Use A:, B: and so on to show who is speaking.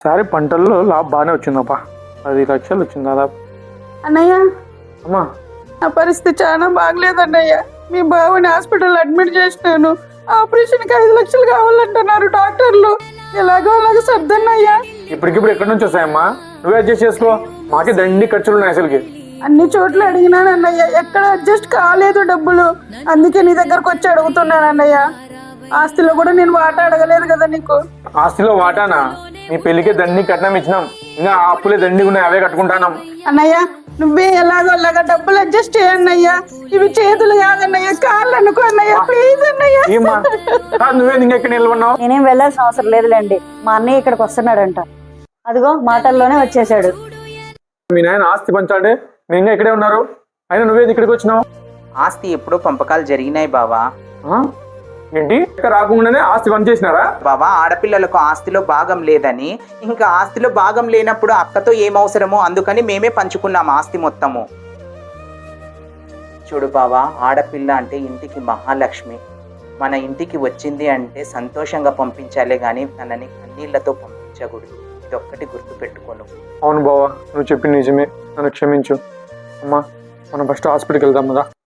A: సారి పంటల్లో లాభ బాగానే వచ్చిందప్పా, 10 లక్షలు వచ్చింది దాదాపు.
B: అన్నయ్య,
A: అమ్మా
B: నా పరిస్థితి చాలా బాగలేదన్నయ్య. మీ బావని హాస్పిటల్ అడ్మిట్ చేసినాను. ఆపరేషన్కి 5 లక్షలు కావాలంటున్నారు డాక్టర్లు. ఎలాగో అలాగో సర్దన్నయ్యా.
A: ఇప్పటికిప్పుడు ఎక్కడి నుంచి వస్తాయమ్మా? నువ్వే అడ్జస్ట్ చేసుకో, మాకే దండి ఖర్చులు ఉన్నాయి అసలుకి.
B: అన్ని చోట్ల అడిగినాను అన్నయ్య, ఎక్కడ అడ్జస్ట్ కాలేదు డబ్బులు. అందుకే నీ దగ్గరకు వచ్చి అడుగుతున్నాను అన్నయ్య. ఆస్తిలో కూడా నేను వాటా అడగలేదు కదా నీకు.
A: ఆస్తిలో వాటానా? నీ పెళ్లికే దండి కట్నం ఇచ్చినాం, ఇంకా ఆ అప్పులే దండి ఉన్నాయి, అవే కట్టుకుంటానం.
B: అన్నయ్య, నువ్వే ఎలాగో అలాగా డబ్బులు అడ్జస్ట్ చేయన్నయ్యా. ఇవి చేతులు కాదన్నయ్య, కాళ్ళు అనుకో అన్నయ్య, ప్లీజ్ అన్నయ్య.
A: ఏమ్మా నువ్వే ఇంకా ఇక్కడ నిలబడినావు?
C: నేనేం వెళ్ళాల్సిన అవసరం లేదులేండి, మా అన్నయ్య ఇక్కడికి వస్తున్నాడంట. అదిగో మాటల్లోనే వచ్చేసాడు.
A: మీ నాయన ఆస్తి పంచాడే, నేను ఇంకా ఇక్కడే ఉన్నారు, అయినా నువ్వేది ఇక్కడికి వచ్చినావు?
D: ఆస్తి ఎప్పుడో పంపకాలు జరిగినాయి బావా.
A: ఏంటి ఇక్కడ రాకుండానే ఆస్తి పంచేసినారా?
D: బావా, ఆడపిల్లలకు ఆస్తిలో భాగం లేదని, ఇంకా ఆస్తిలో భాగం లేనప్పుడు అక్కతో ఏం అవసరమో అందుకని మేమే పంచుకున్నాం ఆస్తి మొత్తము. చూడు బావా, ఆడపిల్ల అంటే ఇంటికి మహాలక్ష్మి. మన ఇంటికి వచ్చింది అంటే సంతోషంగా పంపించాలే గాని తనని కన్నీళ్లతో పంపించకూడదు. ఇదొక్కటి గుర్తు పెట్టుకోను.
A: అవును బావా, నువ్వు చెప్పింది నిజమే, నన్ను క్షమించు. అమ్మా మనం ఫస్ట్ హాస్పిటల్కి వెళ్దాం కదా.